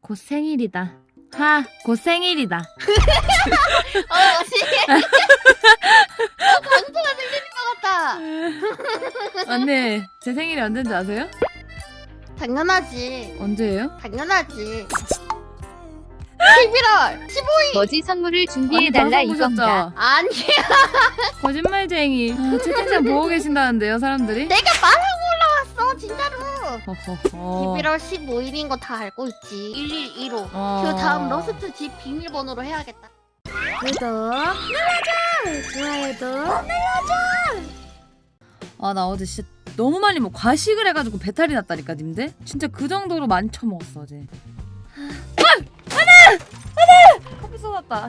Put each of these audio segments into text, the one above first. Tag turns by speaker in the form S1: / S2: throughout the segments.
S1: 곧 생일이다. 하, 곧 생일이다.
S2: 강수가 들리는 것 같다.
S1: 언니, 제 생일이 언제인지 아세요?
S2: 당연하지.
S1: 언제예요?
S2: 당연하지. 11월 15일.
S3: 뭐지 선물을 준비해달라
S1: 언니 방송
S3: 이건가?
S1: 보셨죠?
S2: 아니야.
S1: 거짓말쟁이. 아, 채팅창 보고 계신다는데요, 사람들이?
S2: 내가 말하고 올라왔어, 진짜로.
S1: 허허허.
S2: 11월 15일인 거 다 알고 있지. 111호.
S1: 어.
S2: 그 다음 러스트 집 비밀번호로 해야겠다. 구독 눌러줘. 좋아요도 눌러줘.
S1: 아, 나 어제 진짜 너무 많이 과식을 해가지고 배탈이 났다니까, 님들? 진짜 그 정도로 많이 처먹었어, 어제. 안돼! 커피 쏟았다.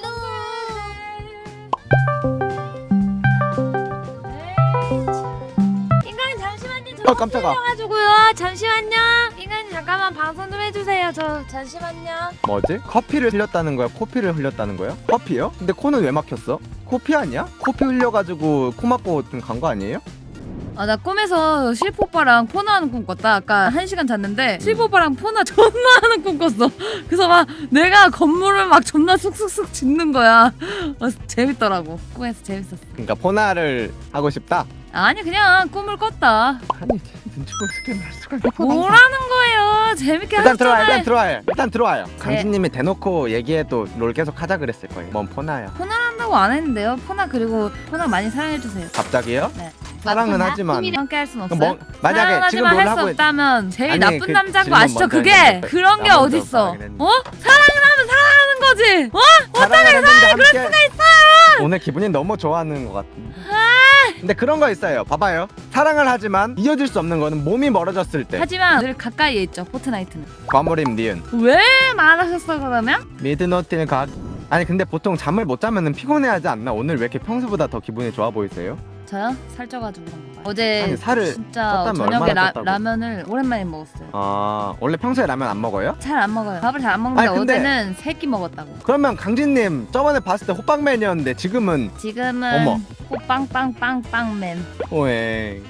S1: 인간이 잠시만요. 저
S4: 깜짝아.
S1: 가지고요. 잠시만요. 인간이 잠깐만 방송 좀 해주세요. 저 잠시만요.
S4: 뭐지? 커피를 흘렸다는 거야? 코피를 흘렸다는 거야? 커피요? 근데 코는 왜 막혔어? 코피 아니야? 코피 흘려가지고 코 막고 간 거 아니에요?
S1: 아, 나 꿈에서 실프 오빠랑 포나 하는 꿈 꿨다. 아까 1시간 잤는데 실프 오빠랑 포나 존나 하는 꿈 꿨어. 그래서 막 내가 건물을 막 존나 쑥쑥쑥 짓는 거야. 재밌더라고. 꿈에서 재밌었어.
S4: 그러니까 포나를 하고 싶다?
S1: 아니, 그냥 꿈을 꿨다.
S4: 아니 눈치 보고 스캔 할 수가 있어.
S1: 뭐라는 거예요? 재밌게
S4: 일단 들어와요.
S1: 하셨잖아요.
S4: 일단 들어와요. 일단 들어와요. 강진님이 대놓고 얘기해도 롤 계속 하자 그랬을 거예요. 뭔 포나야?
S1: 포나 한다고 안 했는데요. 포나, 그리고 포나 많이 사랑해주세요.
S4: 갑자기요?
S1: 네.
S4: 사랑은
S3: 맞구나.
S4: 하지만
S1: 함께 할 순 없어요.
S4: 뭐, 만약에 지금
S1: 사랑하지만
S4: 롤
S1: 할 수
S4: 하고
S1: 없다면 제일
S4: 아니,
S1: 나쁜
S4: 그
S1: 남자인 거
S4: 질문
S1: 아시죠?
S4: 먼저
S1: 그게
S4: 했는데
S1: 그런 게
S4: 나 먼저
S1: 어딨어?
S4: 말하긴 했는데.
S1: 어? 사랑을 하면 사랑하는 거지. 어?
S4: 어떻게 사랑을 그럴 수가 있어요? 오늘 기분이 너무 좋아하는 것 같은데. 근데 그런 거 있어요. 봐봐요. 사랑을 하지만 이어질 수 없는 거는 몸이 멀어졌을 때.
S1: 하지만 늘 가까이에 있죠. 포트나이트는.
S4: 과몰입 니은.
S1: 왜 말하셨어 그러면?
S4: 미드노틸 각. 아니 근데 보통 잠을 못 자면은 피곤해하지 않나? 오늘 왜 이렇게 평소보다 더 기분이 좋아 보이세요?
S1: 저요? 살쪄가지고 그런 거 봐요. 어제
S4: 아니, 살을
S1: 진짜
S4: 쪘다면
S1: 저녁에
S4: 얼마나 쪘다고?
S1: 라면을 오랜만에 먹었어요.
S4: 아 원래 평소에 라면 안 먹어요?
S1: 잘 안 먹어요. 밥을 잘 안 먹는데
S4: 아니, 근데-
S1: 어제는 3끼 먹었다고.
S4: 그러면 강진님 저번에 봤을 때 호빵맨이었는데 지금은
S1: 지금은
S4: 어머.
S1: 호빵빵빵빵맨.
S4: 오에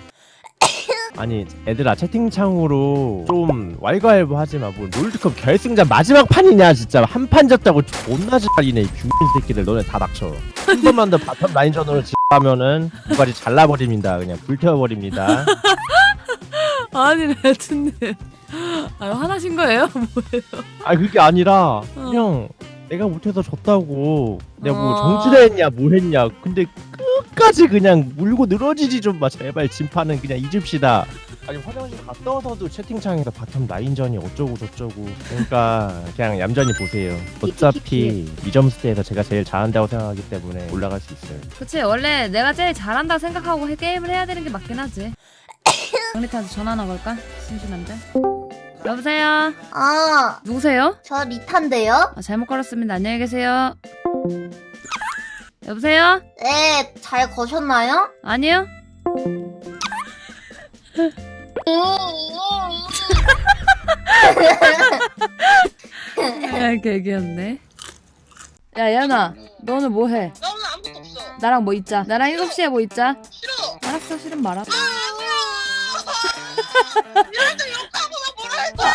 S5: 아니 애들아 채팅창으로 좀 왈가왈부하지마. 뭐 롤드컵 결승전 마지막 판이냐 진짜. 한 판 졌다고 존나 잘리네 이 균민 새끼들. 너네 다 닥쳐. 한 번만 더 바텀 라인전으로 하면은 누가지 잘라버립니다. 그냥 불태워버립니다.
S1: 아니 레트님. 아, 화나신 거예요? 뭐예요?
S5: 아 그게 아니라 그냥 내가 못해서 졌다고 내가 뭐
S1: 어.
S5: 정지를 했냐 뭐 했냐. 근데 끝까지 그냥 물고 늘어지지 좀 마. 제발 진파는 그냥 잊읍시다. 아니 화장실 갔다 와서도 채팅창에서 바텀 라인전이 어쩌고 저쩌고. 그러니까 그냥 얌전히 보세요. 어차피 이점스테에서 제가 제일 잘한다고 생각하기 때문에 올라갈 수 있어요.
S1: 그치, 원래 내가 제일 잘한다 생각하고 게임을 해야 되는 게 맞긴 하지. 강리타한테 전화나 걸까? 심심한데. 여보세요? 누구세요?
S2: 저 리탄데요?
S1: 아, 잘못 걸었습니다. 안녕히 계세요. 여보세요?
S2: 네, 잘 거셨나요?
S1: 아니요? 야, 개귀엽네. 야, 야나, 너 오늘 뭐 해?
S6: 나 오늘 아무것도 없어.
S1: 나랑 뭐 있자. 나랑 7시에 뭐 있자.
S6: 싫어.
S1: 알았어, 싫으면 말아.
S6: 이럴 때 욕하고 나 뭐라 했어?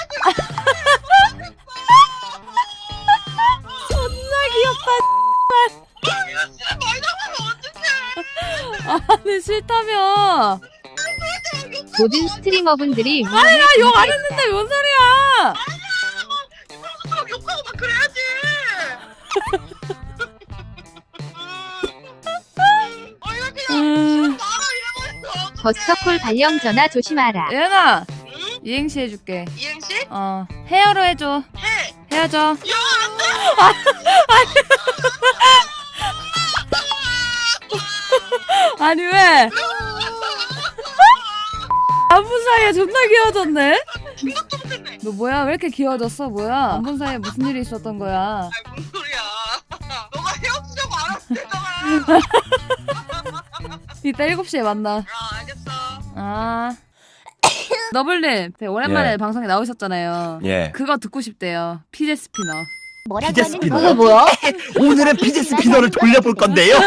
S1: 존나 귀엽다.
S6: 이거 진짜 말도 하면 어떡해.
S1: 아니, 싫다며.
S3: 모든 스트리머분들이
S1: 나 욕 안 했는데 뭔 소리야?
S6: 그럼 욕하고 막 그래야지. 이거 그냥 말아 이러고 있어.
S3: 버스터콜 발령 전화 조심하라.
S1: 예나,
S6: 응?
S1: 이행시 해줄게.
S6: 이행시?
S1: 헤어로 해줘.
S6: 해.
S1: 헤어져.
S6: 야, 안 돼.
S1: 아니 왜? 안 본 사이에 존나 귀여워졌네?
S6: 생각도 못했네.
S1: 너 뭐야? 왜 이렇게 귀여워졌어? 뭐야? 안 본 사이에 무슨 일이 있었던 거야?
S6: 아이, 뭔 소리야. 너가 헤어지자고 알았을 때잖아.
S1: 이따 7시에 만나.
S6: 알겠어.
S1: 아. 너블님, 되게 오랜만에
S5: 예.
S1: 방송에 나오셨잖아요.
S5: 예.
S1: 그거 듣고 싶대요. 피제 스피너.
S3: 뭐라고
S7: 피제
S3: 하는
S7: 스피너.
S3: 거야?
S2: 뭐야?
S7: 오늘은 피제 스피너를 돌려볼 건데요.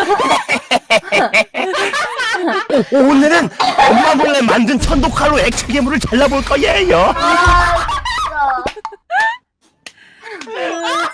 S7: 오늘은 엄마 몰래 만든 천독칼로 액체 괴물을 잘라볼 거예요.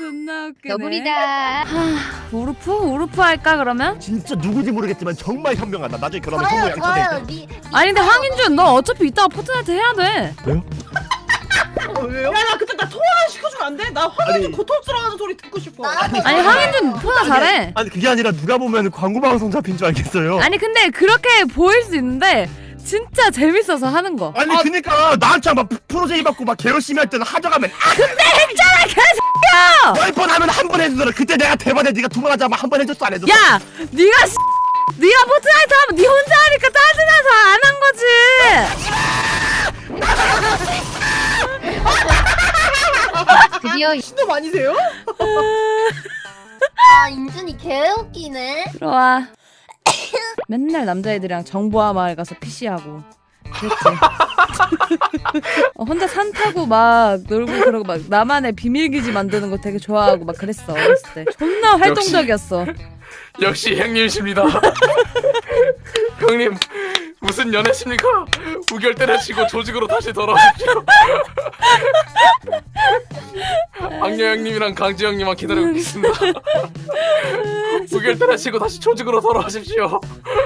S1: 존나 웃기네.
S3: 너구리다.
S1: 우르프? 우르프 할까 그러면?
S7: 진짜 누구지 모르겠지만 정말 현명하다. 나중에 결혼하면
S2: 좋아요
S7: 성모
S2: 좋아요.
S7: 양처될 때.
S1: 아니 근데 황인준 너 어차피 이따가 포트나이트 해야 돼.
S7: 왜요?
S6: 야나 그때 나 통화 시켜주면 안 돼? 나 화면이 고통스러워하는 소리 듣고 싶어.
S2: 나도
S1: 아니 황인준 포나 잘해.
S7: 아니 그게 아니라 누가 보면 광고 방송 잡힌 줄 알겠어요.
S1: 아니 근데 그렇게 보일 수 있는데 진짜 재밌어서 하는 거.
S7: 아니 그니까 나한테 막 프로제이 받고 막 개열심히 할 때는 하져가면
S1: 근데 했잖아 개새끼야.
S7: 10번 하면 한 번 해주더라. 그때 내가 대박에 네가 2번 하자면 한 번 해줬어 안 해줬어?
S1: 야 네가 네가 포트나이트 하면 네 혼자 하니까 짜증나서 안 한 거지.
S3: 드디어
S6: 신도 아니세요?
S2: 아 인준이 개웃기네.
S1: 들어와. 맨날 남자애들이랑 정보화 마을 가서 PC하고 그랬지. 혼자 산 타고 막 놀고 그러고 막 나만의 비밀기지 만드는 거 되게 좋아하고 막 그랬어 어렸을 때. 존나 활동적이었어.
S8: 역시 형님이십니다. 형님 무슨 연애십니까? 우결 때려치고 조직으로 다시 돌아오십시오. 악녀 형님이랑 강지 형님만 기다리고 있습니다. 우결 때려치고 다시 조직으로 돌아오십시오.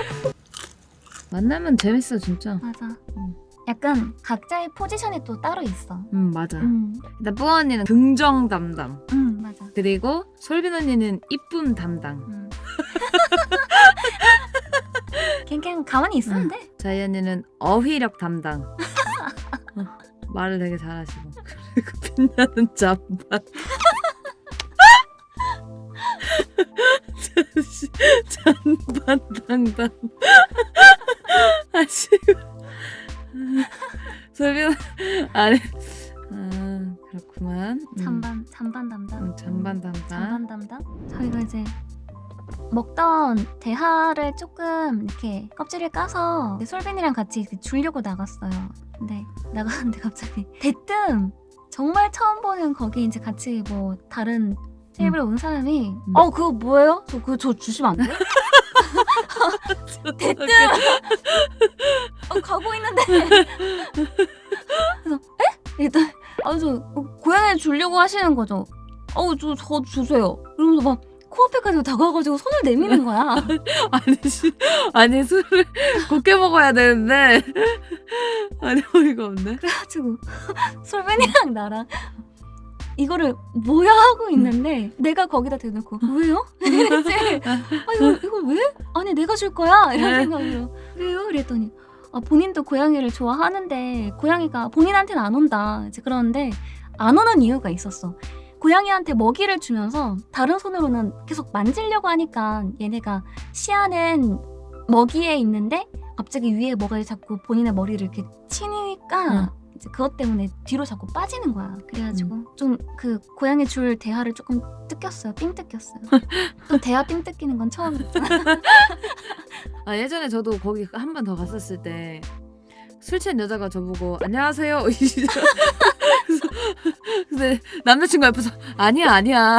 S1: 만나면 재밌어 진짜.
S9: 맞아. 약간 각자의 포지션이 또 따로 있어.
S1: 맞아. 일단 뿌어 언니는 긍정 담당.
S9: 맞아.
S1: 그리고 솔빈 언니는 이쁨 담당.
S9: 그냥 가만히 있으면 돼.
S1: 자이 언니는 어휘력 담당. 말을 되게 잘하시고. 그리고 빛나는 잠반. 잔반 담당. 하시고. 솔빈 아니. 그렇구만.
S9: 잔반 담당.
S1: 잔반 담당.
S9: 잔반 담당. 저희가 이제 먹던 대하를 조금 이렇게 껍질을 까서 솔빈이랑 같이 이렇게 주려고 나갔어요. 근데 나가는데 갑자기 대뜸 정말 처음 보는 거기 이제 같이 뭐 다른 테이블에 온 사람이 그거 뭐예요? 저 주시면 안 돼요? 대뜸 가고 있는데 그래서 에? 일단 저 고양이 주려고 하시는 거죠? 저 주세요. 이러면서 막 코앞에까지 다가와가지고 손을 내미는 거야.
S1: 아니 술을 곱게 먹어야 되는데 아니 어이가 없네.
S9: 그래가지고 솔빈이랑 나랑 이거를 뭐야 하고 있는데 내가 거기다 대놓고 왜요? 이랬지. 이거 왜? 아니 내가 줄 거야 이런 생각으로 왜요? 그랬더니 본인도 고양이를 좋아하는데 고양이가 본인한테는 안 온다. 이제 그러는데 안 오는 이유가 있었어. 고양이한테 먹이를 주면서 다른 손으로는 계속 만지려고 하니까 얘네가 시야는 먹이에 있는데 갑자기 위에 뭐가 자꾸 본인의 머리를 이렇게 치니까 이제 그것 때문에 뒤로 자꾸 빠지는 거야. 그래가지고 좀 그 고양이 줄 대하를 조금 뜯겼어요. 삥 뜯겼어요. 또 대하 삥 뜯기는 건 처음이었잖아.
S1: 예전에 저도 거기 한 번 더 갔었을 때 술 취한 여자가 저보고 안녕하세요. 근데 남자친구 옆에서 아니야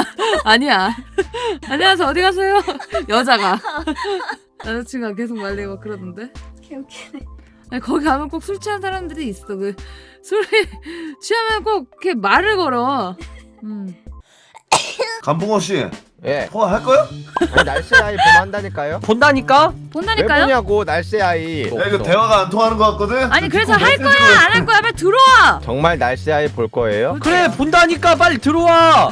S1: 안녕하세요 어디 가세요? 여자가 남자친구가 계속 말리고 그러던데.
S9: 개웃기네.
S1: 아니, 거기 가면 꼭 술 취한 사람들이 있어. 그 술이 취하면 꼭 이렇게 말을 걸어.
S10: 감봉호 씨,
S4: 예.
S10: 통화할 거요?
S4: 아니, 날씨 아이 보면 한다니까요?
S5: 본다니까?
S4: 왜
S1: 본다니까요?
S4: 보냐고 날씨 아이.
S10: 야, 이거 대화가 안 통하는 것 같거든?
S1: 아니 그래서
S10: 듣고
S1: 할
S10: 메시지
S1: 거야 안 할 거야 빨리 들어와.
S4: 정말 날씨 아이 볼 거예요?
S5: 그래 본다니까 빨리 들어와.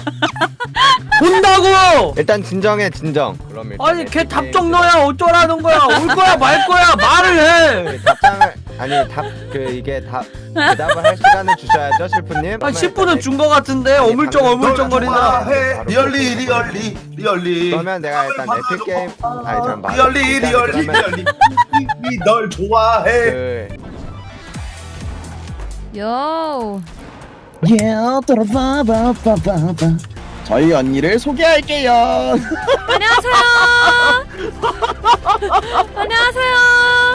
S5: 본다고.
S4: 일단 진정. 그럼 일단
S5: 아니 걔
S4: 에픽
S5: 답정
S4: 게임
S5: 너야 어쩌라는 거야. 올 거야 말 거야 말을 해.
S4: 답장을 이게 대답을 할 시간을 주셔야죠 실프님.
S5: 한 10분은 준 거 같은데 어물쩡거린다.
S10: 해. 리얼리.
S4: 그러면 내가 일단 에픽 게임 잠깐
S10: 리얼리. 널 좋아해.
S1: 요.
S7: 저희 언니를 소개할게요.
S1: 안녕하세요. 안녕하세요.